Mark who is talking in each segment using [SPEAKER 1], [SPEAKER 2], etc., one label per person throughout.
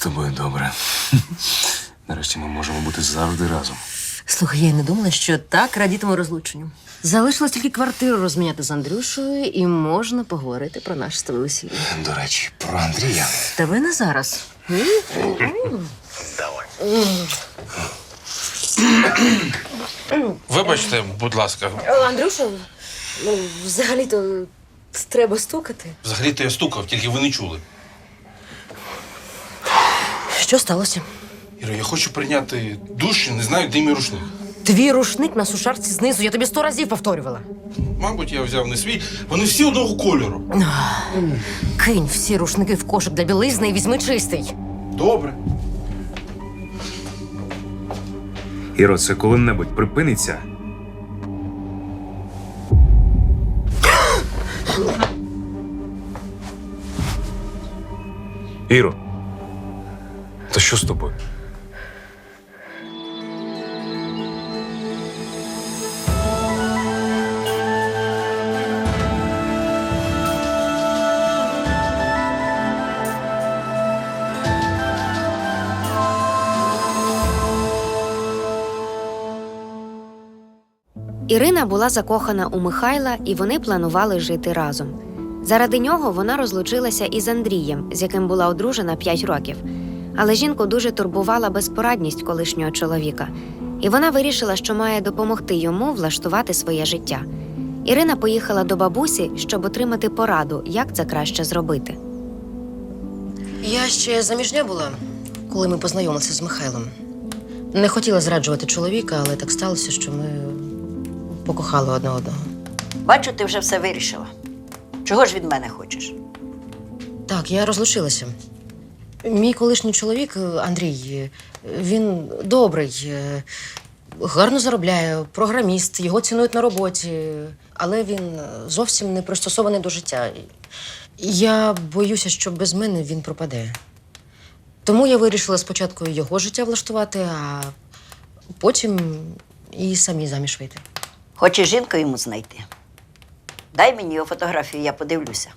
[SPEAKER 1] тобою добре. Нарешті ми можемо бути завжди разом.
[SPEAKER 2] Слухай, я й не думала, що так радітиму розлученню. Залишилось тільки квартиру розміняти з Андрюшею, і можна поговорити про наше з тобою весілля.
[SPEAKER 1] До речі, про Андрія.
[SPEAKER 2] Та ви не зараз.
[SPEAKER 3] Вибачте, будь ласка.
[SPEAKER 2] Андрюша, взагалі-то треба стукати.
[SPEAKER 3] Взагалі-то я стукав, тільки ви не чули.
[SPEAKER 2] Що сталося?
[SPEAKER 3] Іро, я хочу прийняти душ і не знаю, де мій рушник.
[SPEAKER 2] Твій рушник на сушарці знизу, я тобі 100 разів повторювала.
[SPEAKER 3] Мабуть, я взяв не свій. Вони всі одного кольору.
[SPEAKER 2] Кинь всі рушники в кошик для білизни і візьми чистий.
[SPEAKER 3] Добре.
[SPEAKER 1] Іро, це коли-небудь припиниться? Іро, то що з тобою?
[SPEAKER 4] Ірина була закохана у Михайла, і вони планували жити разом. Заради нього вона розлучилася із Андрієм, з яким була одружена 5 років. Але жінку дуже турбувала безпорадність колишнього чоловіка, і вона вирішила, що має допомогти йому влаштувати своє життя. Ірина поїхала до бабусі, щоб отримати пораду, як це краще зробити.
[SPEAKER 2] Я ще заміжня була, коли ми познайомилися з Михайлом. Не хотіла зраджувати чоловіка, але так сталося, що ми покохали одне одного.
[SPEAKER 5] Бачу, ти вже все вирішила. Чого ж від мене хочеш?
[SPEAKER 2] Так, я розлучилася. Мій колишній чоловік, Андрій, він добрий, гарно заробляє, програміст, його цінують на роботі, але він зовсім не пристосований до життя. Я боюся, що без мене він пропаде. Тому я вирішила спочатку його життя влаштувати, а потім і самі заміж вийти.
[SPEAKER 5] Хочеш жінку йому знайти? Дай мені його фотографію, я подивлюся.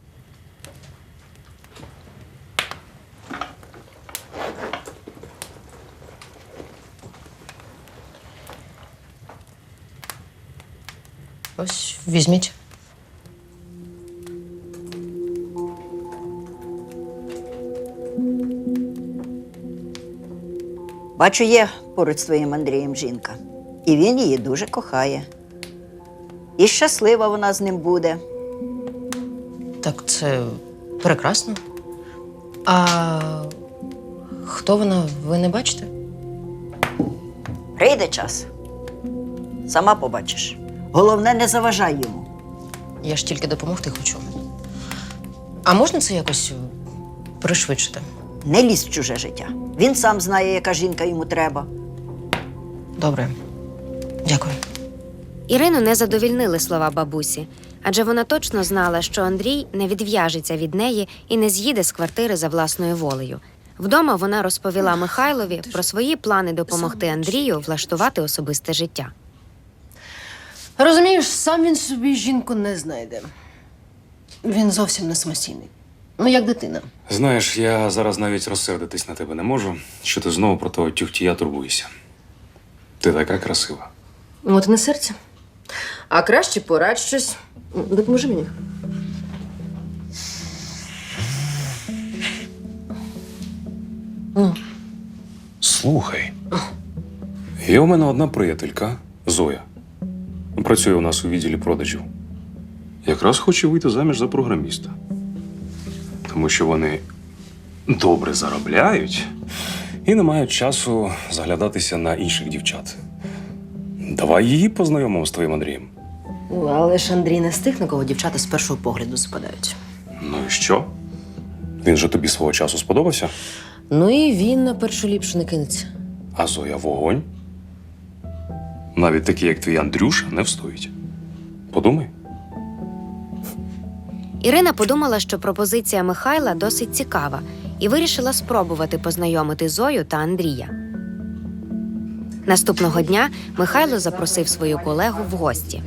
[SPEAKER 2] Ось, візьміть.
[SPEAKER 5] Бачу, є поруч з твоїм Андрієм жінка. І він її дуже кохає. І щаслива вона з ним буде.
[SPEAKER 2] Так, це прекрасно. А хто вона, ви не бачите?
[SPEAKER 5] Прийде час. Сама побачиш. Головне, не заважай йому.
[SPEAKER 2] Я ж тільки допомогти хочу. А можна це якось пришвидшити?
[SPEAKER 5] Не лізь в чуже життя. Він сам знає, яка жінка йому треба.
[SPEAKER 2] Добре. Дякую.
[SPEAKER 4] Ірину не задовільнили слова бабусі, адже вона точно знала, що Андрій не відв'яжеться від неї і не з'їде з квартири за власною волею. Вдома вона розповіла Михайлові про свої плани допомогти Андрію влаштувати особисте життя.
[SPEAKER 2] Розумієш, сам він собі жінку не знайде. Він зовсім не самостійний. Ну, як дитина.
[SPEAKER 1] Знаєш, я зараз навіть розсердитись на тебе не можу, що ти знову про того тюхтія турбуєшся. Ти така красива.
[SPEAKER 2] От і не серце. А краще порадь щось. Допоможи мені.
[SPEAKER 1] Слухай, є у мене одна приятелька, Зоя. Працює у нас у відділі продажів. Якраз хоче вийти заміж за програміста. Тому що вони добре заробляють і не мають часу заглядатися на інших дівчат. Давай її познайомимо з твоїм Андрієм.
[SPEAKER 2] Але ж Андрій не з тих, на кого дівчата з першого погляду западають.
[SPEAKER 1] Ну і що? Він же тобі свого часу сподобався?
[SPEAKER 2] Ну і він на першу ліпшу не кинеться.
[SPEAKER 1] А Зоя вогонь. Навіть такі, як твій Андрюша, не встоїть. Подумай.
[SPEAKER 4] Ірина подумала, що пропозиція Михайла досить цікава, і вирішила спробувати познайомити Зою та Андрія. Наступного дня Михайло запросив свою колегу в гості.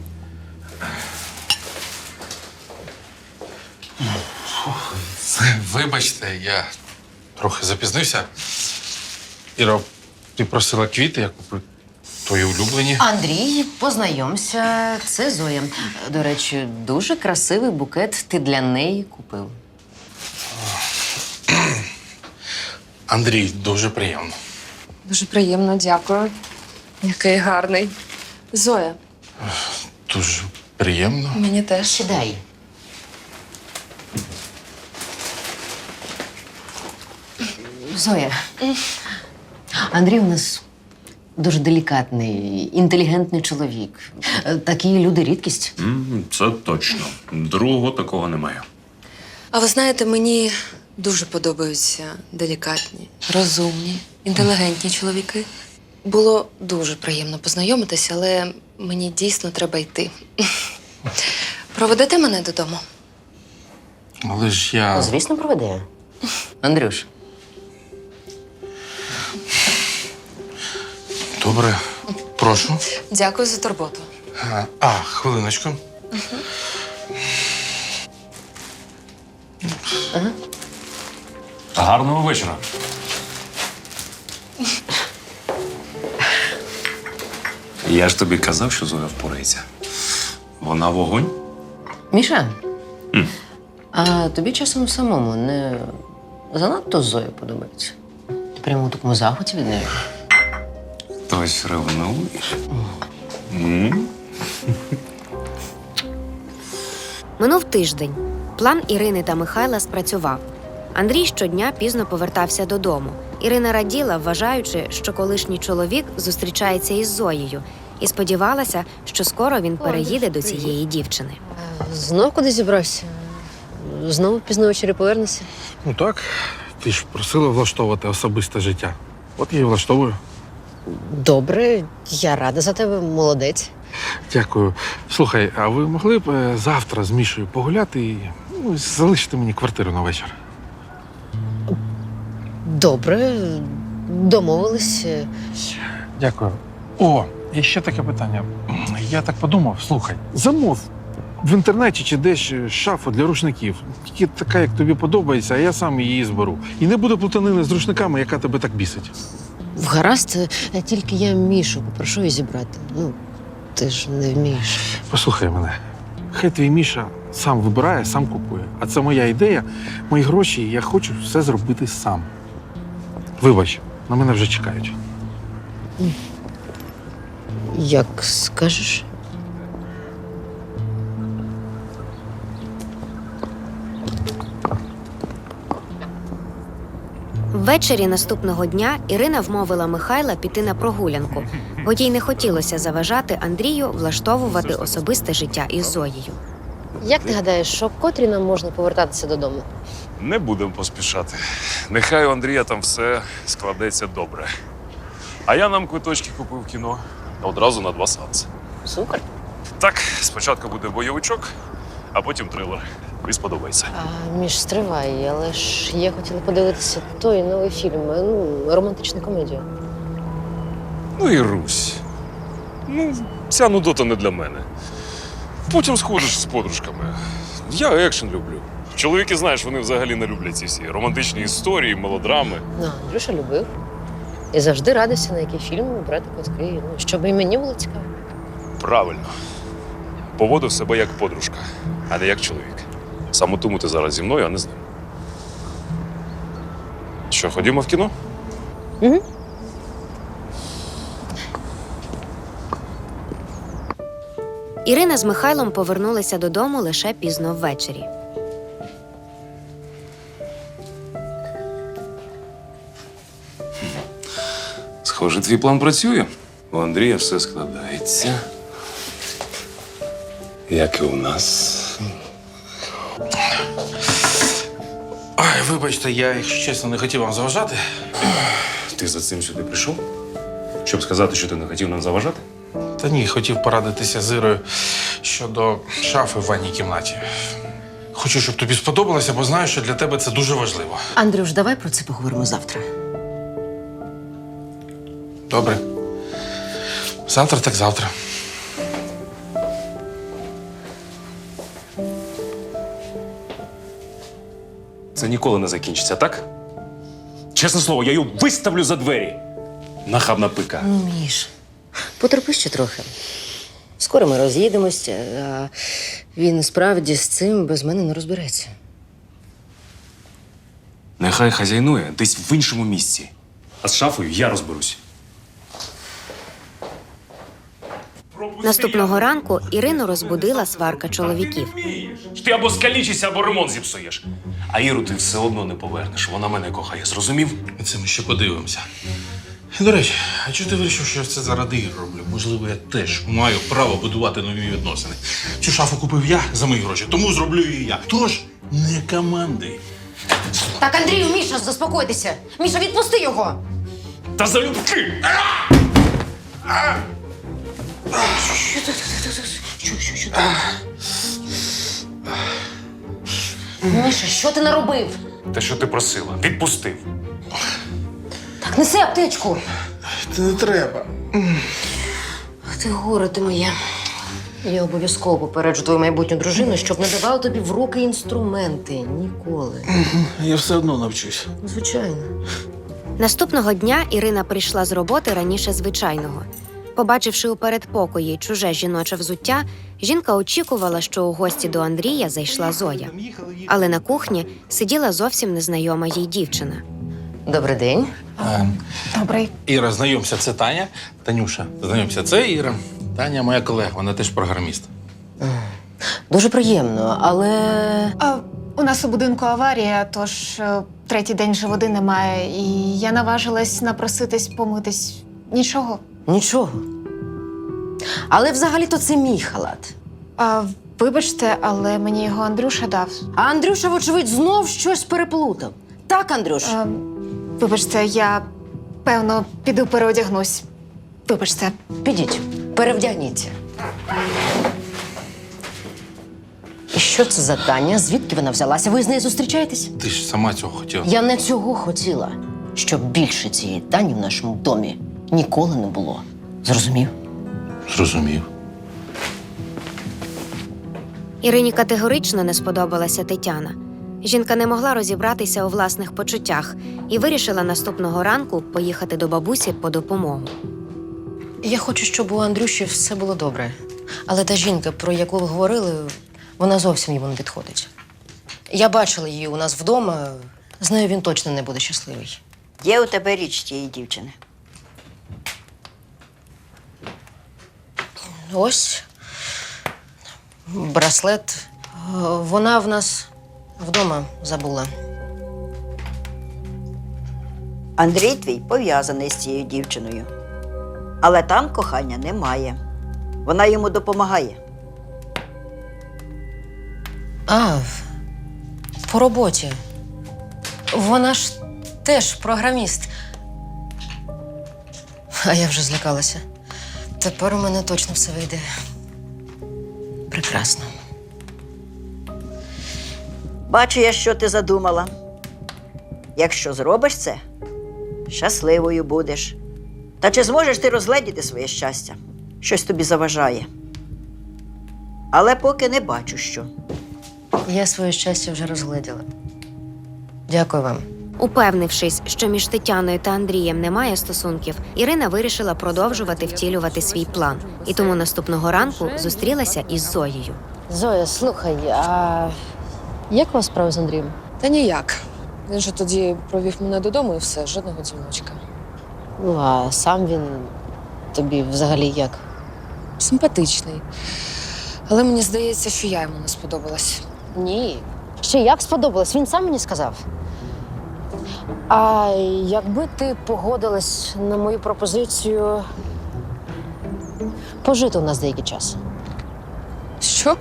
[SPEAKER 3] Це Вибачте, я трохи запізнився. Іро, ти просила квіти, я купив твої улюблені.
[SPEAKER 2] Андрій, познайомся, це Зоя. До речі, дуже красивий букет ти для неї купив.
[SPEAKER 3] Андрій, дуже приємно.
[SPEAKER 6] Дуже приємно, дякую. Який гарний. Зоя,
[SPEAKER 3] Дуже приємно.
[SPEAKER 6] мені теж.
[SPEAKER 2] Сідай. Зоя, Андрій у нас дуже делікатний, інтелігентний чоловік. Такі люди рідкість.
[SPEAKER 1] Це точно. Другого такого немає.
[SPEAKER 6] А ви знаєте, мені дуже подобаються делікатні, розумні, інтелігентні чоловіки. Було дуже приємно познайомитися, але мені дійсно треба йти. Проведете мене додому?
[SPEAKER 3] Але ж я.
[SPEAKER 2] Звісно, проведе. Андрюш,
[SPEAKER 3] Добре, прошу.
[SPEAKER 6] Дякую за турботу.
[SPEAKER 3] Хвилиночку.
[SPEAKER 1] Гарного вечора. Я ж тобі казав, що Зоя впорається. Вона вогонь.
[SPEAKER 2] Міша, а тобі часом самому не занадто Зоя подобається? Ти прямо у такому захваті від неї?
[SPEAKER 1] Хтось ревнує.
[SPEAKER 4] Минув тиждень. План Ірини та Михайла спрацював. Андрій щодня пізно повертався додому. Ірина раділа, вважаючи, що колишній чоловік зустрічається із Зоєю, і сподівалася, що скоро він переїде до цієї дівчини.
[SPEAKER 2] Знов куди зібрався? Знову пізно ввечері повернешся?
[SPEAKER 3] Ну так, ти ж просила влаштовувати особисте життя. От я і влаштовую.
[SPEAKER 2] Добре, я рада за тебе, молодець.
[SPEAKER 3] Дякую. Слухай, а ви могли б завтра з Мішою погуляти і залишити мені квартиру на вечір?
[SPEAKER 2] Добре, домовились.
[SPEAKER 3] Дякую. О, і ще таке питання. Я так подумав, слухай, замов в інтернеті чи десь шафу для рушників. Тільки така, як тобі подобається, а я сам її зберу. І не буде плутанини з рушниками, яка тебе так бісить.
[SPEAKER 2] Вгаразд, тільки я Мішу попрошу її зібрати. Ну, ти ж не вмієш.
[SPEAKER 3] Послухай мене. Хай твій Міша сам вибирає, сам купує. А це моя ідея, мої гроші, і я хочу все зробити сам. Вибач, на мене вже чекають.
[SPEAKER 2] Як скажеш.
[SPEAKER 4] Ввечері наступного дня Ірина вмовила Михайла піти на прогулянку, бо їй не хотілося заважати Андрію влаштовувати особисте життя із Зоєю.
[SPEAKER 2] Як ти гадаєш, що в котрі нам можна повертатися додому?
[SPEAKER 1] Не будемо поспішати. Нехай у Андрія там все складеться добре. А я нам квиточки купив в кіно одразу на 2 сеанси.
[SPEAKER 2] Супер.
[SPEAKER 1] Так, спочатку буде бойовичок, а потім трилер. Тобі сподобається.
[SPEAKER 2] А Міш, стривай, але ж я хотіла подивитися той новий фільм, романтичну комедію.
[SPEAKER 1] Ну і Русь. Ну, ця нудота не для мене. Потім сходиш з подружками. Я екшен люблю. Чоловіки, знаєш, вони взагалі не люблять ці всі романтичні історії, мелодрами.
[SPEAKER 2] Ну, Андрюша любив. І завжди радився, на який фільм брати квитки, щоб і мені було цікаво.
[SPEAKER 1] Правильно. Поводив себе як подружка, а не як чоловік. Саме тому ти зараз зі мною, а не з ним. Що, ходімо в кіно?
[SPEAKER 2] Угу.
[SPEAKER 4] Ірина з Михайлом повернулися додому лише пізно ввечері.
[SPEAKER 1] Схоже, твій план працює. У Андрія все складається. Як і у нас.
[SPEAKER 3] Ой, вибачте, я, якщо чесно, не хотів вам заважати.
[SPEAKER 1] Ти за цим сюди прийшов? Щоб сказати, що ти не хотів нам заважати?
[SPEAKER 3] Та ні, хотів порадитися з Ірою щодо шафи в ванній кімнаті. Хочу, щоб тобі сподобалося, бо знаю, що для тебе це дуже важливо.
[SPEAKER 2] Андрюш, давай про це поговоримо завтра.
[SPEAKER 3] Добре. Завтра так завтра.
[SPEAKER 1] це ніколи не закінчиться, так? Чесне слово, я її виставлю за двері. Нахабна пика.
[SPEAKER 2] Ну, Міш, потерпи ще трохи. Скоро ми роз'їдемося, а він справді з цим без мене не розбереться.
[SPEAKER 1] Нехай хазяйнує десь в іншому місці. А з шафою я розберусь.
[SPEAKER 4] Наступного ранку Ірину розбудила сварка чоловіків.
[SPEAKER 1] Ти або скалічишся, або ремонт зіпсуєш. А Іру ти все одно не повернеш. Вона мене кохає, зрозумів?
[SPEAKER 3] Це ми ще подивимося. До речі, а чого ти вирішив, що я це заради Ігор роблю? Можливо, я теж маю право будувати нові відносини. Цю шафу купив я за мої гроші, тому зроблю її я. Тож не команди.
[SPEAKER 2] Так, Андрію, Міша, заспокойтеся. Міша, відпусти його.
[SPEAKER 1] Та залюбки!
[SPEAKER 2] Що ти? Міша, що ти наробив?
[SPEAKER 1] Те, що ти просила, відпустив.
[SPEAKER 2] Так, неси аптечку.
[SPEAKER 3] Це не треба.
[SPEAKER 2] Ти горе ти моє. Я обов'язково попереджу твою майбутню дружину, щоб не давала тобі в руки інструменти. Ніколи.
[SPEAKER 3] Я все одно навчусь.
[SPEAKER 2] Звичайно.
[SPEAKER 4] Наступного дня Ірина прийшла з роботи раніше звичайного. Побачивши у передпокої чуже жіноче взуття, жінка очікувала, що у гості до Андрія зайшла Зоя. Але на кухні сиділа зовсім незнайома їй дівчина.
[SPEAKER 2] Добрий день.
[SPEAKER 7] Добрий.
[SPEAKER 3] Іра, знайомся, це Таня. Танюша, знайомся, це Іра. Таня моя колега, вона теж програміст.
[SPEAKER 2] Дуже приємно, але
[SPEAKER 7] У нас у будинку аварія, тож третій день вже води немає, і я наважилась напроситись помитись. Нічого.
[SPEAKER 2] нічого. Але взагалі-то це мій халат.
[SPEAKER 7] Вибачте, але мені його Андрюша дав.
[SPEAKER 2] А Андрюша, вочевидь, знов щось переплутав. Так, Андрюш?
[SPEAKER 7] Вибачте, я, певно, піду переодягнусь. Вибачте.
[SPEAKER 2] Підіть, перевдягніться. І що це за Таня? Звідки вона взялася? Ви з нею зустрічаєтесь?
[SPEAKER 3] Ти ж сама цього хотіла.
[SPEAKER 2] Я не цього хотіла, щоб більше цієї Тані в нашому домі ніколи не було. Зрозумів?
[SPEAKER 3] Зрозумів.
[SPEAKER 4] Ірині категорично не сподобалася Тетяна. Жінка не могла розібратися у власних почуттях і вирішила наступного ранку поїхати до бабусі по допомогу.
[SPEAKER 2] Я хочу, щоб у Андрюші все було добре. Але та жінка, про яку ви говорили, вона зовсім йому не підходить. Я бачила її у нас вдома, з нею він точно не буде щасливий.
[SPEAKER 5] Є у тебе річ тієї дівчини.
[SPEAKER 2] Ось браслет. Вона в нас вдома забула.
[SPEAKER 5] Андрій твій пов'язаний з цією дівчиною. Але там кохання немає. Вона йому допомагає.
[SPEAKER 2] А, по роботі. Вона ж теж програміст. А я вже злякалася. Тепер у мене точно все вийде. Прекрасно.
[SPEAKER 5] Бачу я, що ти задумала. Якщо зробиш це, щасливою будеш. Та чи зможеш ти розгледіти своє щастя? Щось тобі заважає. Але поки не бачу, що.
[SPEAKER 2] Я своє щастя вже розгледіла. Дякую вам.
[SPEAKER 4] Упевнившись, що між Тетяною та Андрієм немає стосунків, Ірина вирішила продовжувати втілювати свій план. І тому наступного ранку зустрілася із Зоєю.
[SPEAKER 2] Зоя, слухай, а як у вас справи з Андрієм?
[SPEAKER 6] Та ніяк. Він же тоді провів мене додому і все, жодного дзвіночка.
[SPEAKER 2] Ну, а сам він тобі взагалі як?
[SPEAKER 6] Симпатичний. Але мені здається, що я йому не сподобалась.
[SPEAKER 2] Ні. Ще як сподобалось, він сам мені сказав. А якби ти погодилась на мою пропозицію пожити у нас деякий час?
[SPEAKER 6] Що?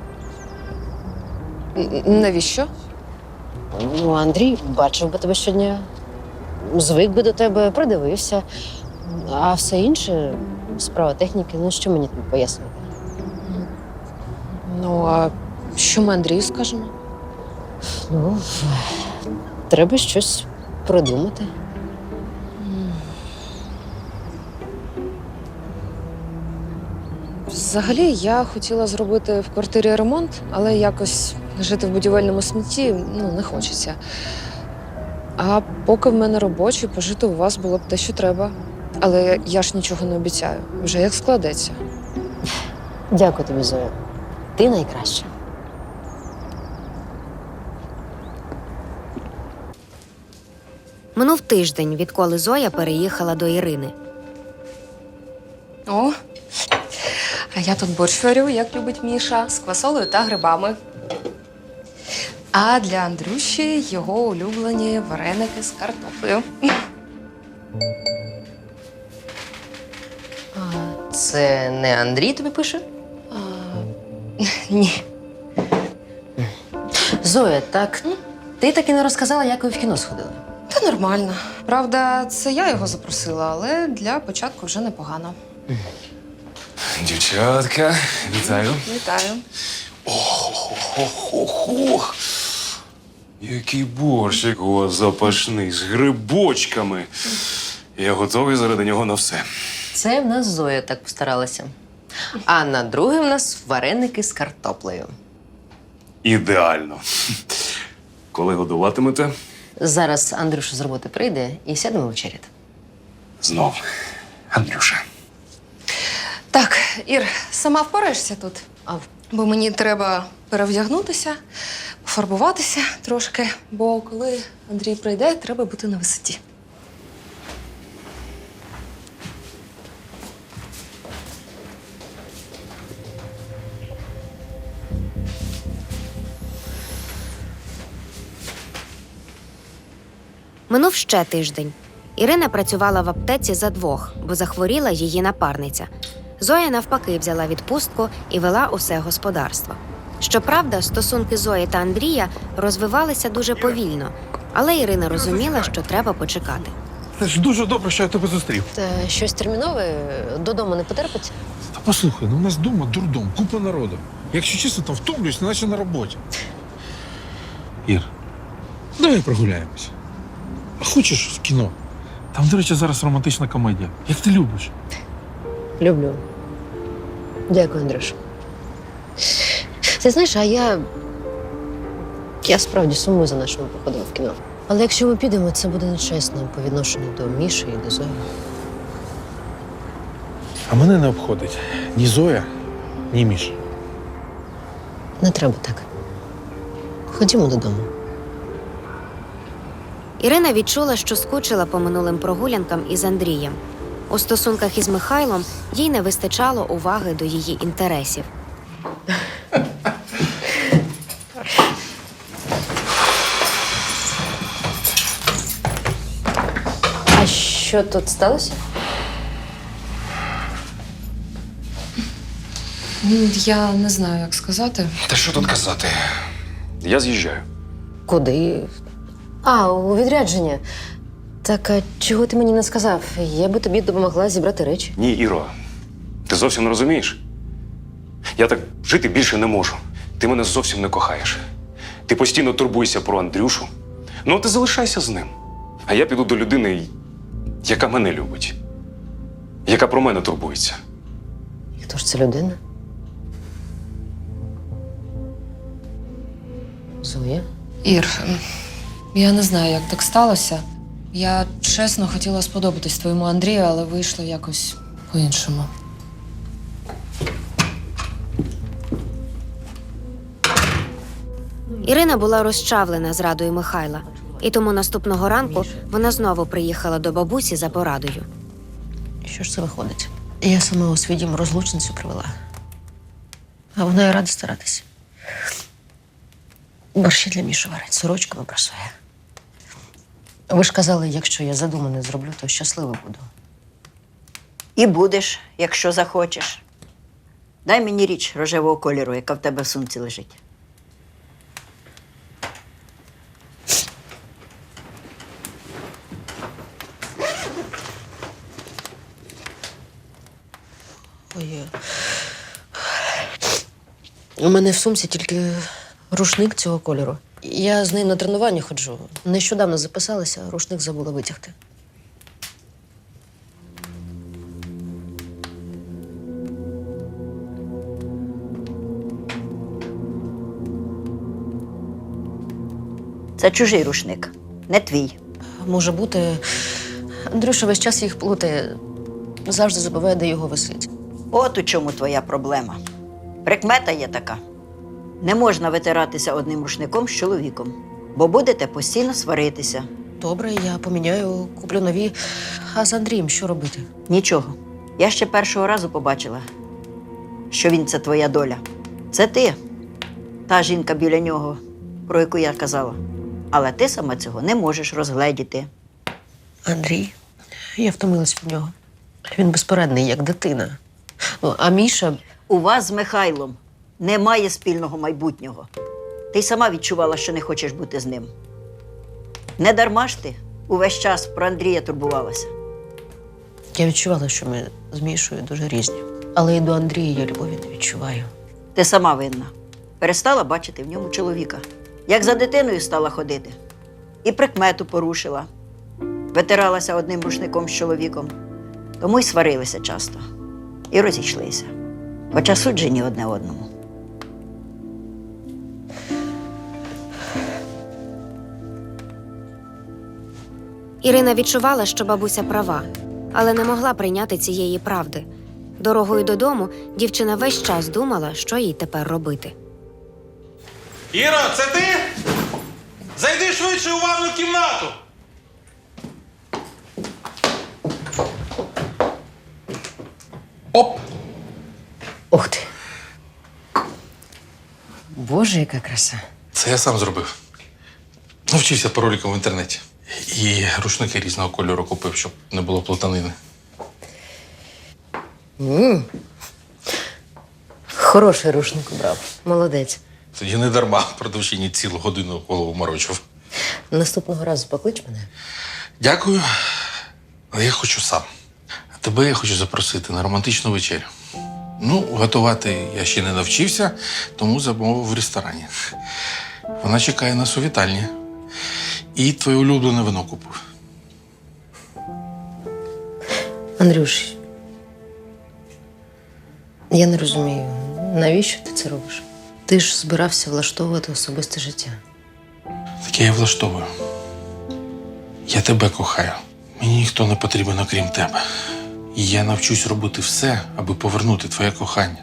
[SPEAKER 6] Навіщо?
[SPEAKER 2] Ну, Андрій бачив би тебе щодня, звик би до тебе, придивився. А все інше справа техніки, ну що мені тобі пояснити?
[SPEAKER 6] Ну, а що ми Андрію скажемо?
[SPEAKER 2] Ну, треба щось придумати.
[SPEAKER 6] Взагалі, я хотіла зробити в квартирі ремонт, але якось жити в будівельному смітті не хочеться. А поки в мене робочий, пожити у вас було б те, що треба. Але я ж нічого не обіцяю. Вже як складеться.
[SPEAKER 2] Дякую тобі, Зоя. Ти найкраща.
[SPEAKER 4] Минув тиждень, відколи Зоя переїхала до Ірини.
[SPEAKER 6] О, а я тут борщ варю, як любить Міша, з квасолею та грибами. А для Андрюші його улюблені вареники з картоплею.
[SPEAKER 2] Це не Андрій тобі пише?
[SPEAKER 6] Ні.
[SPEAKER 2] Зоя, так ти так і не розказала, як ви в кіно сходили.
[SPEAKER 6] Та нормально. Правда, це я його запросила, але для початку вже непогано.
[SPEAKER 1] Дівчатка, вітаю.
[SPEAKER 6] Вітаю.
[SPEAKER 1] Ох. Який борщик у вас запашний, з грибочками. Я готовий заради нього на все.
[SPEAKER 2] Це в нас Зоя так постаралася. А на друге в нас вареники з картоплею.
[SPEAKER 1] Ідеально. Коли годуватимете?
[SPEAKER 2] Зараз Андрюша з роботи прийде і сядемо вечеряти.
[SPEAKER 1] Знов. Андрюша.
[SPEAKER 6] Так, Ір, сама впораєшся тут? Бо мені треба перевдягнутися, пофарбуватися трошки, бо коли Андрій прийде, треба бути на висоті.
[SPEAKER 4] Минув ще тиждень. Ірина працювала в аптеці за двох, бо захворіла її напарниця. Зоя навпаки взяла відпустку і вела усе господарство. Щоправда, стосунки Зої та Андрія розвивалися дуже повільно, але Ірина розуміла, що треба почекати.
[SPEAKER 3] Це ж дуже добре, що я тебе зустрів.
[SPEAKER 2] Та щось термінове додому не потерпиться?
[SPEAKER 3] Та послухай, у нас вдома дурдом, купа народу. Якщо чесно, там втомлююсь, наче на роботі. Ір, давай прогуляємось. А хочеш в кіно? Там, до речі, зараз романтична комедія. Як ти любиш?
[SPEAKER 2] Люблю. Дякую, Андрюш. Ти знаєш, а я справді сумую за нашими походами в кіно. Але якщо ми підемо, це буде нечесно по відношенню до Міші і до Зої.
[SPEAKER 3] А мене не обходить ні Зоя, ні Міша.
[SPEAKER 2] Не треба так. Ходімо додому.
[SPEAKER 4] Ірина відчула, що скучила по минулим прогулянкам із Андрієм. У стосунках із Михайлом їй не вистачало уваги до її інтересів.
[SPEAKER 2] А що тут сталося?
[SPEAKER 6] Я не знаю, як сказати.
[SPEAKER 1] Та що тут казати? Я з'їжджаю.
[SPEAKER 2] Куди? А, у відрядження. Так, а чого ти мені не сказав? Я би тобі допомогла зібрати речі.
[SPEAKER 1] Ні, Іро, ти зовсім не розумієш? Я так жити більше не можу. Ти мене зовсім не кохаєш. Ти постійно турбуєшся про Андрюшу. Ну, ти залишайся з ним. А я піду до людини, яка мене любить. Яка про мене турбується.
[SPEAKER 2] І хто ж це людина? Зоя?
[SPEAKER 6] Ір, я не знаю, як так сталося. Я чесно хотіла сподобатись твоєму Андрію, але вийшло якось по-іншому.
[SPEAKER 4] Ірина була розчавлена зрадою Михайла, і тому наступного ранку вона знову приїхала до бабусі за порадою.
[SPEAKER 2] Що ж це виходить? Я сама у свій дім розлучницю привела. А вона і рада старатися. Борщі для Міші варить, сорочками прасує. Ви ж казали, якщо я задумане зроблю, то щаслива буду.
[SPEAKER 5] І будеш, якщо захочеш. Дай мені річ рожевого кольору, яка в тебе в сумці лежить.
[SPEAKER 2] Ой. У мене в сумці тільки рушник цього кольору. Я з нею на тренування ходжу. Нещодавно записалася, а рушник забула витягти.
[SPEAKER 5] Це чужий рушник, не твій.
[SPEAKER 2] Може бути, Андрюша весь час їх плутає, завжди забуває, де його висить.
[SPEAKER 5] От у чому твоя проблема. Прикмета є така. Не можна витиратися одним рушником з чоловіком, бо будете постійно сваритися.
[SPEAKER 2] Добре, я поміняю, куплю нові. А з Андрієм що робити?
[SPEAKER 5] Нічого. Я ще першого разу побачила, що він – це твоя доля. Це ти, та жінка біля нього, про яку я казала. Але ти сама цього не можеш розгледіти.
[SPEAKER 2] Андрій, я втомилась від нього. Він безпорадний, як дитина. Ну, а Міша,
[SPEAKER 5] У вас з Михайлом немає спільного майбутнього. Ти й сама відчувала, що не хочеш бути з ним. Не дарма ж ти увесь час про Андрія турбувалася.
[SPEAKER 2] я відчувала, що ми з Мішою дуже різні. Але і до Андрія я любові не відчуваю.
[SPEAKER 5] Ти сама винна. Перестала бачити в ньому чоловіка. Як за дитиною стала ходити. І прикмету порушила. Витиралася одним рушником з чоловіком. Тому й сварилися часто. І розійшлися. Хоча суджені одне одному.
[SPEAKER 4] Ірина відчувала, що бабуся права, але не могла прийняти цієї правди. Дорогою додому дівчина весь час думала, що їй тепер робити.
[SPEAKER 8] Іро, це ти? Зайди швидше у ванну кімнату. Оп!
[SPEAKER 2] Ух ти! Боже, яка краса.
[SPEAKER 8] Це я сам зробив. Навчився паролікам в інтернеті. І рушники різного кольору купив, щоб не було плутанини.
[SPEAKER 2] Хороший рушник брав. Молодець.
[SPEAKER 8] Тоді не дарма продавчині цілу годину голову морочив.
[SPEAKER 2] Наступного разу поклич мене.
[SPEAKER 8] Дякую, але я хочу сам. А тебе я хочу запросити на романтичну вечерю. Ну, готувати я ще не навчився, тому замовив в ресторані. Вона чекає нас у вітальні. І твоє улюблене вино купив.
[SPEAKER 2] Андрюш, я не розумію, навіщо ти це робиш? Ти ж збирався влаштовувати особисте життя.
[SPEAKER 8] Таке я влаштовую. Я тебе кохаю. Мені ніхто не потрібен, окрім тебе. І я навчусь робити все, аби повернути твоє кохання.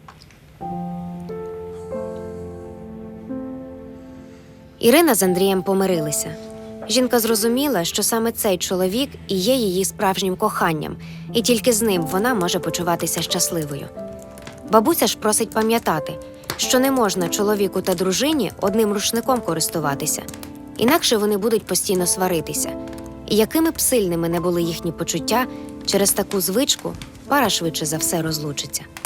[SPEAKER 4] Ірина з Андрієм помирилися. Жінка зрозуміла, що саме цей чоловік і є її справжнім коханням, і тільки з ним вона може почуватися щасливою. Бабуся ж просить пам'ятати, що не можна чоловіку та дружині одним рушником користуватися, інакше вони будуть постійно сваритися. І якими б сильними не були їхні почуття, через таку звичку пара швидше за все розлучиться.